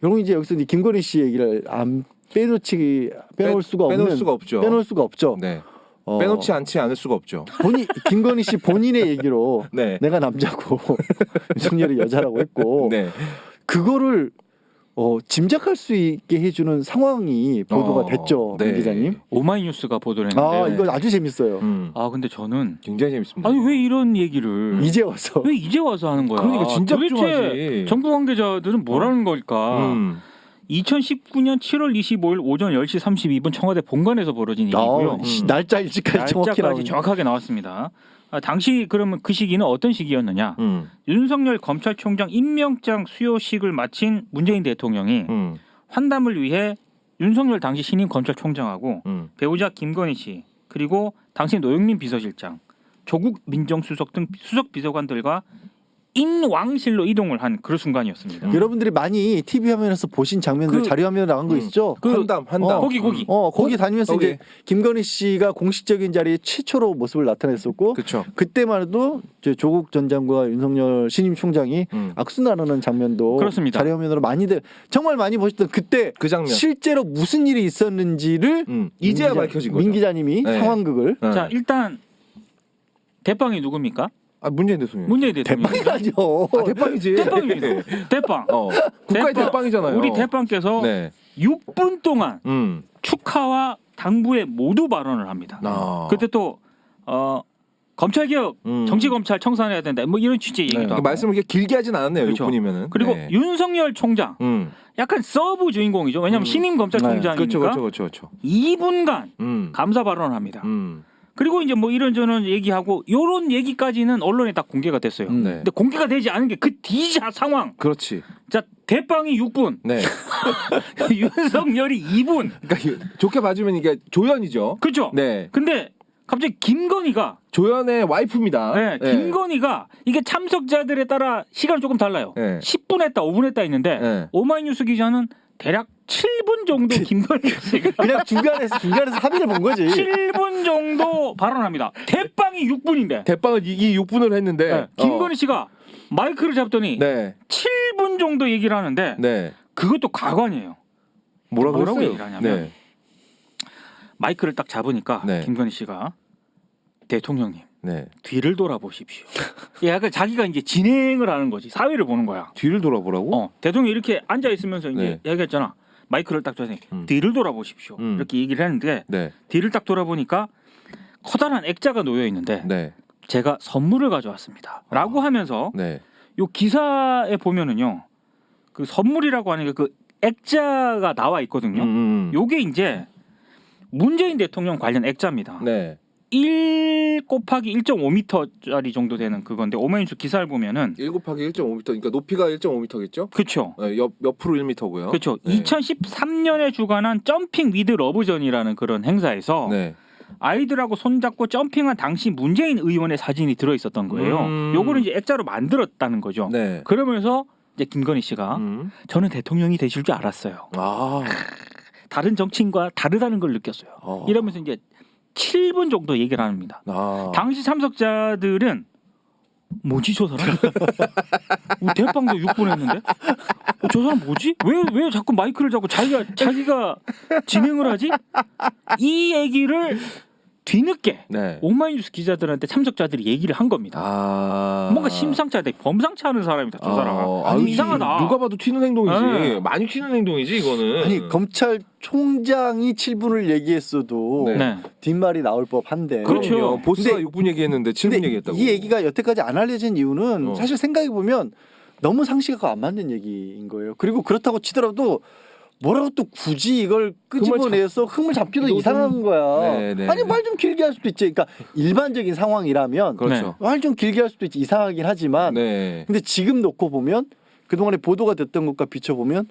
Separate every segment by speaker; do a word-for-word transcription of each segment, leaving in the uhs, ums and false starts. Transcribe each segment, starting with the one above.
Speaker 1: 여러분 이제 여기서 이제 김건희 씨 얘기를 안 빼놓지 빼놓을
Speaker 2: 빼,
Speaker 1: 수가 없는
Speaker 2: 빼놓을 수가 없죠.
Speaker 1: 빼놓을 수가 없죠.
Speaker 2: 네.
Speaker 1: 어,
Speaker 2: 빼놓지 않지 않을 수가 없죠.
Speaker 1: 본인 김건희 씨 본인의 얘기로
Speaker 2: 네.
Speaker 1: 내가 남자고 윤석열이 여자라고 했고
Speaker 2: 네.
Speaker 1: 그거를 어, 짐작할 수 있게 해주는 상황이 보도가
Speaker 2: 어,
Speaker 1: 됐죠,
Speaker 2: 네.
Speaker 1: 민 기자님.
Speaker 3: 오마이뉴스가 보도를 했는데요.
Speaker 1: 아 이거 아주 재밌어요.
Speaker 2: 음.
Speaker 3: 아 근데 저는
Speaker 2: 굉장히 재밌습니다.
Speaker 3: 아니 왜 이런 얘기를
Speaker 1: 이제 와서
Speaker 3: 왜 이제 와서 하는 거야?
Speaker 2: 그러니까 진작 좀
Speaker 3: 도대체
Speaker 2: 하지.
Speaker 3: 정부 관계자들은 뭐라는 걸까?
Speaker 2: 음.
Speaker 3: 이천십구 년 칠월 이십오일 오전 열 시 삼십이 분 청와대 본관에서 벌어진 일이고요.
Speaker 1: 아, 씨, 날짜 일찍까지 정확히
Speaker 3: 날짜까지
Speaker 1: 나오는.
Speaker 3: 정확하게 나왔습니다. 아, 당시 그러면 그 시기는 어떤 시기였느냐?
Speaker 2: 음.
Speaker 3: 윤석열 검찰총장 임명장 수여식을 마친 문재인 대통령이
Speaker 2: 음.
Speaker 3: 환담을 위해 윤석열 당시 신임 검찰총장하고
Speaker 2: 음.
Speaker 3: 배우자 김건희 씨 그리고 당시 노영민 비서실장, 조국 민정수석 등 수석 비서관들과 인왕실로 이동을 한 그런 순간이었습니다.
Speaker 1: 여러분들이 많이 티비 화면에서 보신 장면들
Speaker 2: 그-
Speaker 1: 자료 화면에 나간 거
Speaker 2: 음.
Speaker 1: 있죠?
Speaker 3: 그-
Speaker 2: 한담 한담.
Speaker 1: 어,
Speaker 3: 거기 거기.
Speaker 1: 어 거기 다니면서
Speaker 2: 거기.
Speaker 1: 이제 김건희 씨가 공식적인 자리에 최초로 모습을 나타냈었고
Speaker 2: 그렇죠.
Speaker 1: 그때만 해도 이제 조국 전 장관과 윤석열 신임 총장이
Speaker 2: 음.
Speaker 1: 악수 나누는 장면도
Speaker 3: 그렇습니다.
Speaker 1: 자료 화면으로 많이들 정말 많이 보셨던 그때
Speaker 2: 그 장면.
Speaker 1: 실제로 무슨 일이 있었는지를
Speaker 2: 음.
Speaker 1: 민
Speaker 2: 이제야
Speaker 1: 기자-
Speaker 2: 밝혀진 거죠.
Speaker 1: 민 기자님이
Speaker 2: 네.
Speaker 1: 상황극을
Speaker 2: 네.
Speaker 3: 자 일단 대빵이 누굽니까?
Speaker 2: 아 문재인 대통령.
Speaker 3: 문재인 대통령.
Speaker 1: 대빵이라죠.
Speaker 2: 아 대빵이지.
Speaker 3: 대빵입니다. 대빵.
Speaker 2: 어. 국가의
Speaker 3: 대빵.
Speaker 2: 대빵이잖아요.
Speaker 3: 우리 대빵께서
Speaker 2: 네.
Speaker 3: 육 분 동안
Speaker 2: 음.
Speaker 3: 축하와 당부에 모두 발언을 합니다.
Speaker 2: 아.
Speaker 3: 그때 또 어, 검찰 개혁,
Speaker 2: 음.
Speaker 3: 정치 검찰 청산해야 된다. 뭐 이런 취지의
Speaker 2: 네.
Speaker 3: 얘기도
Speaker 2: 그
Speaker 3: 하고.
Speaker 2: 말씀을 이렇게 길게 하진 않았네요.
Speaker 3: 그렇죠.
Speaker 2: 육 분이면은.
Speaker 3: 그리고
Speaker 2: 네.
Speaker 3: 윤석열 총장
Speaker 2: 음.
Speaker 3: 약간 서브 주인공이죠. 왜냐하면
Speaker 2: 음.
Speaker 3: 신임 검찰총장이니까
Speaker 2: 그렇죠, 그렇죠, 그렇죠, 그렇죠.
Speaker 3: 이 분간
Speaker 2: 음.
Speaker 3: 감사 발언을 합니다.
Speaker 2: 음.
Speaker 3: 그리고 이제 뭐 이런저런 얘기하고 요런 얘기까지는 언론에 다 공개가 됐어요.
Speaker 1: 음.
Speaker 2: 네.
Speaker 3: 근데 공개가 되지 않은 게 그 뒤자 상황.
Speaker 2: 그렇지.
Speaker 3: 자 대빵이 육 분,
Speaker 2: 네.
Speaker 3: 윤석열이 이 분.
Speaker 2: 그러니까 이- 좋게 봐주면 이게 조연이죠.
Speaker 3: 그렇죠?
Speaker 2: 네.
Speaker 3: 근데 갑자기 김건희가
Speaker 2: 조연의 와이프입니다.
Speaker 3: 네, 김건희가 이게 참석자들에 따라 시간이 조금 달라요.
Speaker 2: 네.
Speaker 3: 십 분 했다, 오 분 했다 했는데
Speaker 2: 네.
Speaker 3: 오마이뉴스 기자는 대략 칠 분 정도 김건희 씨가
Speaker 1: 그냥 중간에서 중간에서 합의를 본 거지.
Speaker 3: 칠 분 정도 발언합니다. 대빵이 육 분인데
Speaker 2: 대빵을 이기 육 분을 했는데
Speaker 3: 네, 김건희 씨가 마이크를 잡더니
Speaker 2: 네.
Speaker 3: 칠 분 정도 얘기를 하는데
Speaker 2: 네.
Speaker 3: 그것도 가관이에요.
Speaker 2: 뭐라고,
Speaker 3: 뭐라고
Speaker 2: 했어요?
Speaker 3: 얘기를 하냐면
Speaker 2: 네.
Speaker 3: 마이크를 딱 잡으니까
Speaker 2: 네.
Speaker 3: 김건희 씨가 대통령님
Speaker 2: 네.
Speaker 3: 뒤를 돌아보십시오. 약간 자기가 이제 진행을 하는 거지. 사회를 보는 거야.
Speaker 2: 뒤를 돌아보라고?
Speaker 3: 어, 대통령이 이렇게 앉아 있으면서 이제
Speaker 2: 네.
Speaker 3: 얘기했잖아. 마이크를 딱 줘서
Speaker 2: 음.
Speaker 3: 뒤를 돌아보십시오.
Speaker 2: 음.
Speaker 3: 이렇게 얘기를 했는데
Speaker 2: 네.
Speaker 3: 뒤를 딱 돌아보니까 커다란 액자가 놓여 있는데
Speaker 2: 네.
Speaker 3: 제가 선물을 가져왔습니다.라고 하면서
Speaker 2: 네.
Speaker 3: 요 기사에 보면은요, 그 선물이라고 하는 게 그 액자가 나와 있거든요.
Speaker 2: 음, 음.
Speaker 3: 요게 이제 문재인 대통령 관련 액자입니다.
Speaker 2: 네.
Speaker 3: 일 곱하기 일 점 오 미터짜리 정도 되는 그건데 오마이뉴스 기사를 보면은
Speaker 2: 일 곱하기 일 점 오 미터. 그러니까 높이가 일 점 오 미터겠죠?
Speaker 3: 그렇죠.
Speaker 2: 네, 옆 옆으로 일 미터고요.
Speaker 3: 그렇죠.
Speaker 2: 네.
Speaker 3: 이천십삼 년에 주관한 점핑 위드 러브전이라는 그런 행사에서
Speaker 2: 네.
Speaker 3: 아이들하고 손잡고 점핑한 당시 문재인 의원의 사진이 들어 있었던 거예요.
Speaker 2: 음.
Speaker 3: 요거를 이제 액자로 만들었다는 거죠.
Speaker 2: 네.
Speaker 3: 그러면서 이제 김건희 씨가
Speaker 2: 음.
Speaker 3: 저는 대통령이 되실 줄 알았어요.
Speaker 2: 아.
Speaker 3: 다른 정치인과 다르다는 걸 느꼈어요.
Speaker 2: 어.
Speaker 3: 이러면서 이제 칠 분 정도 얘기를 합니다.
Speaker 2: 아.
Speaker 3: 당시 참석자들은 뭐지 저 사람? 어, 대빵도 육 분 했는데 어, 저 사람 뭐지? 왜 왜 자꾸 마이크를 잡고 자기가 자기가 진행을 하지? 이 얘기를 뒤늦게
Speaker 2: 네.
Speaker 3: 오마이뉴스 기자들한테 참석자들이 얘기를 한 겁니다.
Speaker 2: 아.
Speaker 3: 뭔가 심상치 않다, 범상치 않은 사람이다 저 사람.
Speaker 2: 아,
Speaker 3: 아니,
Speaker 2: 아니,
Speaker 3: 이상하다.
Speaker 2: 누가 봐도 튀는 행동이지.
Speaker 3: 네.
Speaker 2: 많이 튀는 행동이지 이거는.
Speaker 1: 아니 검찰총장이 칠 분을 얘기했어도
Speaker 2: 네.
Speaker 3: 네.
Speaker 1: 뒷말이 나올 법한데.
Speaker 3: 그렇죠.
Speaker 2: 그럼요. 보스가
Speaker 1: 근데-
Speaker 2: 육 분 얘기했는데 칠 분
Speaker 1: 근데
Speaker 2: 얘기했다고.
Speaker 1: 이 얘기가 여태까지 안 알려진 이유는
Speaker 2: 어.
Speaker 1: 사실 생각해 보면 너무 상식하고 안 맞는 얘기인 거예요. 그리고 그렇다고 치더라도 뭐라고 또 굳이 이걸 끄집어내서 흠을 잡기도
Speaker 2: 이거
Speaker 1: 이상한
Speaker 2: 좀-
Speaker 1: 거야.
Speaker 2: 네, 네,
Speaker 1: 아니
Speaker 2: 네.
Speaker 1: 말 좀 길게 할 수도 있지. 그러니까 일반적인 상황이라면
Speaker 2: 그렇죠.
Speaker 1: 말 좀 길게 할 수도 있지. 이상하긴 하지만
Speaker 2: 네.
Speaker 1: 근데 지금 놓고 보면 그동안에 보도가 됐던 것과 비춰보면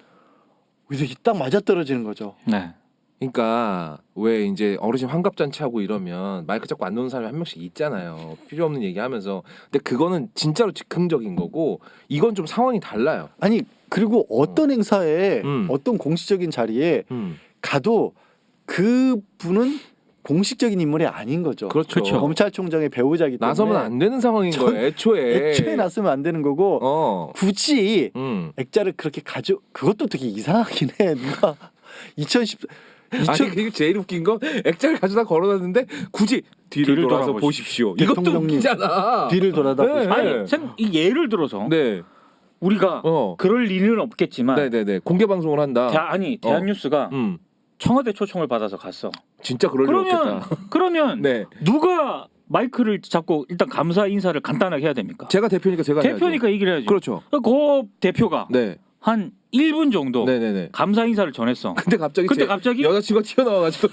Speaker 1: 이게 딱 맞아떨어지는 거죠.
Speaker 3: 네.
Speaker 2: 그러니까 왜 이제 어르신 환갑잔치 하고 이러면 마이크 잡고 안 놓는 사람이 한 명씩 있잖아요. 필요 없는 얘기하면서. 근데 그거는 진짜로 즉흥적인 거고 이건 좀 상황이 달라요.
Speaker 1: 아니 그리고 어떤 행사에
Speaker 2: 음.
Speaker 1: 어떤 공식적인 자리에
Speaker 2: 음.
Speaker 1: 가도 그 분은 공식적인 인물이 아닌 거죠.
Speaker 2: 그렇죠.
Speaker 3: 그렇죠.
Speaker 1: 검찰총장의 배우자이기 때문에
Speaker 2: 나서면 안 되는 상황인
Speaker 1: 전-
Speaker 2: 거예요. 애초에.
Speaker 1: 애초에 나서면 안 되는 거고
Speaker 2: 어.
Speaker 1: 굳이
Speaker 2: 음.
Speaker 1: 액자를 그렇게 가져 그것도 되게 이상하긴 해. 누가 이천십
Speaker 2: 아니 그게 제일 웃긴 건 액자를 가져다 걸어놨는데 굳이 뒤를,
Speaker 3: 뒤를
Speaker 2: 돌아서
Speaker 3: 돌아보십시오.
Speaker 2: 보십시오. 이것도
Speaker 1: 대통령님
Speaker 2: 웃기잖아.
Speaker 1: 뒤를 돌아다
Speaker 2: 네.
Speaker 1: 보시고
Speaker 3: 아니 생, 이 예를 들어서
Speaker 2: 네.
Speaker 3: 우리가
Speaker 2: 어.
Speaker 3: 그럴 리는 없겠지만
Speaker 2: 네네네. 공개 방송을 한다.
Speaker 3: 대, 아니 대한뉴스가
Speaker 2: 음.
Speaker 3: 청와대 초청을 받아서 갔어.
Speaker 2: 진짜 그럴 리
Speaker 3: 그러면
Speaker 2: 없겠다.
Speaker 3: 그러면
Speaker 2: 네.
Speaker 3: 누가 마이크를 잡고 일단 감사 인사를 간단하게 해야 됩니까?
Speaker 2: 제가 대표니까 제가
Speaker 3: 대표니까
Speaker 2: 해야죠.
Speaker 3: 얘기를 해야죠.
Speaker 2: 그렇죠.
Speaker 3: 그 대표가
Speaker 2: 네.
Speaker 3: 한 일 분 정도
Speaker 2: 네네네.
Speaker 3: 감사 인사를 전했어.
Speaker 2: 근데 갑자기
Speaker 3: 근데
Speaker 2: 제
Speaker 3: 갑자기
Speaker 2: 여자친구가 튀어나와가지고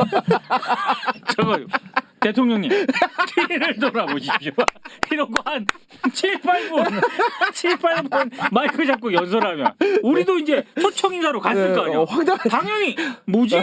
Speaker 3: 저거 대통령님 뒤를 돌아보십시오. 이러고 한 칠, 팔 분 칠, 팔 분 마이크 잡고 연설하면 우리도 이제 초청 인사로 갔을 거 아니야.
Speaker 2: 어, 황당.
Speaker 3: 당연히 뭐지?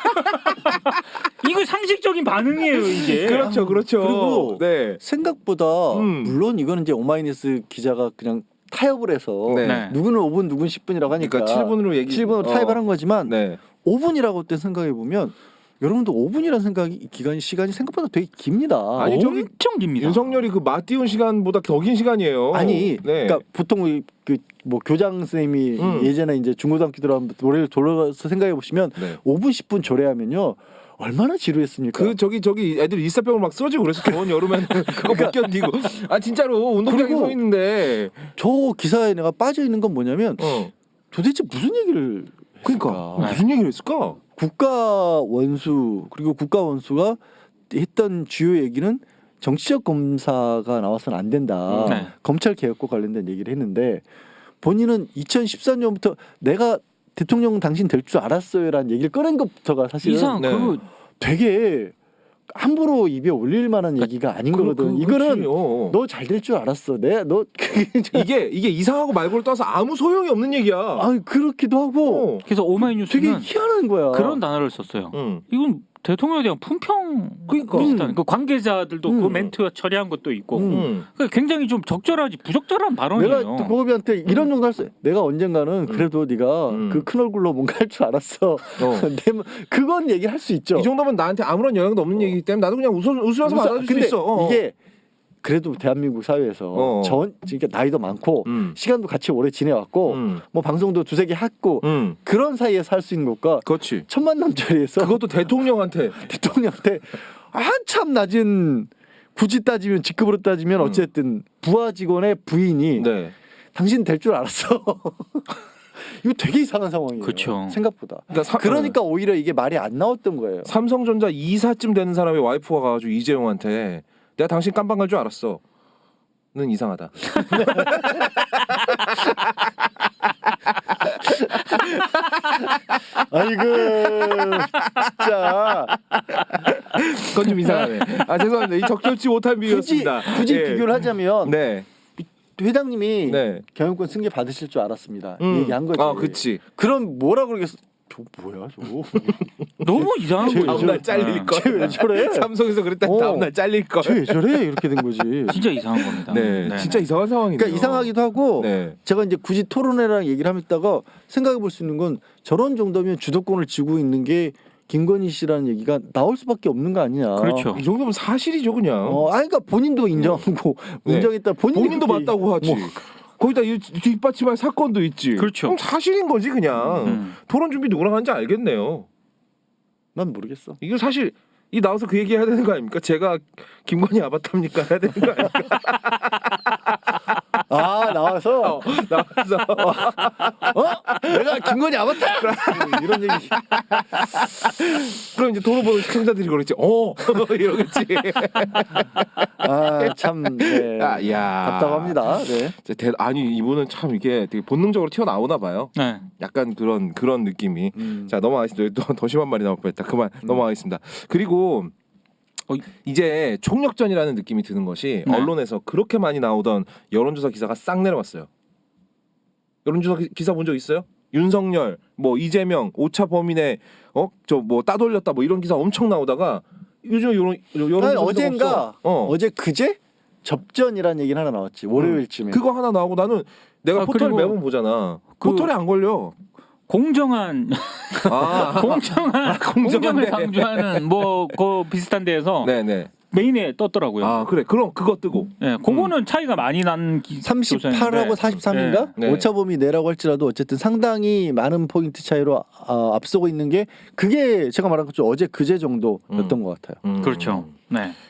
Speaker 3: 이거 상식적인 반응이에요 이게.
Speaker 2: 그렇죠, 그렇죠.
Speaker 1: 그리고
Speaker 2: 네.
Speaker 1: 생각보다
Speaker 2: 음.
Speaker 1: 물론 이거는 이제 오마이뉴스 기자가 그냥 타협을 해서
Speaker 2: 네.
Speaker 3: 네.
Speaker 1: 누구는 오 분 누구는 십 분이라고 하니까
Speaker 2: 그러니까 칠 분으로 얘기.
Speaker 1: 칠 분으로 타협을 한 거지만
Speaker 2: 네.
Speaker 1: 오 분이라고 때 생각해 보면 여러분도 오 분이라는 생각이 기간이 시간이 생각보다 되게 깁니다.
Speaker 2: 아니, 저기
Speaker 3: 엄청 깁니다.
Speaker 2: 윤석열이 그 맞띄운 시간보다 더 긴 시간이에요.
Speaker 1: 아니,
Speaker 2: 네.
Speaker 1: 그러니까 보통 그 뭐 교장 선생님이
Speaker 2: 음.
Speaker 1: 예전에 이제 중고등학교 들어가면 노래를 돌아서 생각해 보시면
Speaker 2: 네.
Speaker 1: 오 분 십 분 조례하면요 얼마나 지루했습니까?
Speaker 2: 그 저기 저기 애들 일사병을 막 쓰러지고 그래서 더운 여름에는 그거 못 견디고 아 진짜로 운동장에
Speaker 1: 그리고
Speaker 2: 서 있는데
Speaker 1: 저 기사에 내가 빠져 있는 건 뭐냐면
Speaker 2: 어
Speaker 1: 도대체 무슨 얘기를
Speaker 2: 그러니까
Speaker 1: 했을까?
Speaker 2: 무슨 얘기를 했을까?
Speaker 1: 국가 원수 그리고 국가 원수가 했던 주요 얘기는 정치적 검사가 나와서는 안 된다.
Speaker 3: 네.
Speaker 1: 검찰 개혁과 관련된 얘기를 했는데 본인은 이천십사 년부터 내가 대통령 당신 될 줄 알았어요라는 얘기를 꺼낸 것부터가 사실은
Speaker 3: 이상
Speaker 2: 네.
Speaker 3: 그
Speaker 1: 되게 함부로 입에 올릴 만한 얘기가 아닌
Speaker 2: 그-
Speaker 1: 거거든.
Speaker 2: 그-
Speaker 1: 이거는
Speaker 2: 그렇지, 어.
Speaker 1: 너 잘 될 줄 알았어. 내 너 그게 좀-
Speaker 2: 이게 이게 이상하고 말고를 떠서 아무 소용이 없는 얘기야.
Speaker 1: 아 그렇기도 하고
Speaker 2: 어.
Speaker 3: 그래서
Speaker 1: 되게
Speaker 3: 오마이뉴스는
Speaker 1: 희한한 거야.
Speaker 3: 그런 단어를 썼어요.
Speaker 2: 응.
Speaker 3: 이건 대통령에 대한 품평
Speaker 2: 그러니까.
Speaker 3: 비슷한 그 관계자들도 그
Speaker 1: 음.
Speaker 3: 멘트 처리한 것도 있고
Speaker 1: 음.
Speaker 2: 응.
Speaker 3: 그러니까 굉장히 좀 적절하지 부적절한 발언이에요.
Speaker 1: 내가 또 고비한테 이런 정도 할 수. 내가 언젠가는 그래도 네가
Speaker 2: 음.
Speaker 1: 그 큰 얼굴로 뭔가 할 줄 알았어.
Speaker 2: 어.
Speaker 1: 내 뭐- 그건 얘기할 수 있죠.
Speaker 2: 이 정도면 나한테 아무런 영향도 없는 얘기이기 때문에 나도 그냥 웃어, 웃으면서
Speaker 1: 웃어-
Speaker 2: 받아줄 수
Speaker 1: 근데
Speaker 2: 있어. 어.
Speaker 1: 이게 그래도 대한민국 사회에서
Speaker 2: 어.
Speaker 1: 전 그러니까 나이도 많고
Speaker 2: 음.
Speaker 1: 시간도 같이 오래 지내왔고
Speaker 2: 음.
Speaker 1: 뭐 방송도 두세 개 했고
Speaker 2: 음.
Speaker 1: 그런 사이에서 할 수 있는 것과
Speaker 2: 그렇지.
Speaker 1: 천만남자리에서
Speaker 2: 그것도 대통령한테
Speaker 1: 대통령한테 한참 낮은 굳이 따지면 직급으로 따지면
Speaker 2: 음.
Speaker 1: 어쨌든 부하 직원의 부인이
Speaker 2: 네.
Speaker 1: 당신 될 줄 알았어. 이거 되게 이상한 상황이에요.
Speaker 3: 그쵸.
Speaker 1: 생각보다.
Speaker 2: 그러니까, 사,
Speaker 1: 그러니까 오히려 이게 말이 안 나왔던 거예요.
Speaker 2: 삼성전자 이사쯤 되는 사람의 와이프가 가가지고 이재용한테 내가 당신 깜빵 갈 줄 알았어. 는 이상하다.
Speaker 1: 아이고 진짜
Speaker 2: 그건 좀 이상하네. 아 죄송합니다. 이 적절치 못한
Speaker 1: 굳이
Speaker 2: 비유였습니다.
Speaker 1: 굳이
Speaker 2: 예.
Speaker 1: 비교를 하자면
Speaker 2: 네.
Speaker 1: 회장님이
Speaker 2: 네.
Speaker 1: 경영권 승계 받으실 줄 알았습니다.
Speaker 2: 음.
Speaker 1: 얘기한 거지.
Speaker 2: 아, 그치.
Speaker 1: 그럼 뭐라 그러겠어? 저 뭐야 저거?
Speaker 3: 너무 이상한
Speaker 1: 쟤
Speaker 3: 거예요.
Speaker 1: 왜
Speaker 2: 다음날 잘릴
Speaker 3: 아,
Speaker 2: 걸.
Speaker 1: 쟤 왜 저래?
Speaker 2: 삼성에서 그랬다.
Speaker 1: 어.
Speaker 2: 다음날 잘릴 걸.
Speaker 1: 쟤 왜 저래? 이렇게 된 거지.
Speaker 3: 진짜 이상한 겁니다.
Speaker 2: 네,
Speaker 3: 네.
Speaker 2: 진짜 이상한 상황이네요.
Speaker 1: 그러니까 이상하기도 하고
Speaker 2: 네.
Speaker 1: 제가 이제 굳이 토론회랑 얘기를 하다가 생각해 볼 수 있는 건 저런 정도면 주도권을 쥐고 있는 게 김건희 씨라는 얘기가 나올 수밖에 없는 거 아니냐.
Speaker 3: 그렇죠.
Speaker 2: 이 정도면 사실이죠, 그냥.
Speaker 1: 어, 아니 그러니까 본인도 인정하고
Speaker 2: 네.
Speaker 1: 인정했다. 본인이
Speaker 2: 본인도
Speaker 1: 그렇게
Speaker 2: 맞다고 하지.
Speaker 1: 뭐,
Speaker 2: 거기다 이 뒷받침할 사건도 있지.
Speaker 3: 그렇죠.
Speaker 2: 그럼 사실인 거지 그냥.
Speaker 3: 음.
Speaker 2: 토론 준비 누구랑 하는지 알겠네요.
Speaker 1: 난 모르겠어.
Speaker 2: 이거 사실 이 나와서 그 얘기 해야 되는 거 아닙니까? 제가 김건희 아바타입니까? 해야 되는 거 아닙니까?
Speaker 1: 아 나와서
Speaker 2: 어, 나와서
Speaker 1: 어? 내가 김건희 아바타? 이런 얘기.
Speaker 2: 그럼 이제 토론 보는 시청자들이 그러겠지. 어 이러겠지.
Speaker 1: 아참 네.
Speaker 2: 아, 야.
Speaker 1: 답답합니다. 네.
Speaker 2: 진짜 대, 아니 이분은 참 이게 되게 본능적으로 튀어나오나 봐요.
Speaker 3: 네.
Speaker 2: 약간 그런 그런 느낌이.
Speaker 1: 음.
Speaker 2: 자 넘어가겠습니다. 또 더 심한 말이 나올 뻔했다. 그만
Speaker 1: 음.
Speaker 2: 넘어가겠습니다. 그리고 어, 이제 총력전이라는 느낌이 드는 것이
Speaker 3: 네.
Speaker 2: 언론에서 그렇게 많이 나오던 여론조사 기사가 싹 내려왔어요. 여론조사 기- 기사 본 적 있어요? 윤석열, 뭐 이재명, 오차 범인의 어저 뭐 따돌렸다 뭐 이런 기사 엄청 나오다가 요즘 여론 여론조사
Speaker 1: 아니,
Speaker 2: 기사가
Speaker 1: 어젠가
Speaker 2: 없어. 어.
Speaker 1: 어제 그제 접전이라는 얘기는 하나 나왔지. 월요일쯤에.
Speaker 2: 그거 하나 나오고 나는 내가
Speaker 3: 아,
Speaker 2: 포털
Speaker 3: 그리고
Speaker 2: 매번 보잖아.
Speaker 3: 그-
Speaker 2: 포털에 안 걸려.
Speaker 3: 공정한
Speaker 2: 아,
Speaker 3: 공정한 공정을
Speaker 2: 공정한데.
Speaker 3: 강조하는 뭐 그 비슷한 데에서
Speaker 2: 네네.
Speaker 3: 메인에 떴더라고요.
Speaker 2: 아 그래 그럼 그거 뜨고.
Speaker 3: 예, 그거는 차이가 많이 난 기,
Speaker 1: 삼십팔하고
Speaker 3: 조사인데.
Speaker 1: 사십삼인가?
Speaker 2: 네. 네.
Speaker 1: 오차범위 내라고 할지라도 어쨌든 상당히 많은 포인트 차이로 어, 앞서고 있는 게 그게 제가 말한 것처럼 어제 그제 정도였던
Speaker 2: 음.
Speaker 1: 것 같아요.
Speaker 2: 음.
Speaker 3: 그렇죠. 네.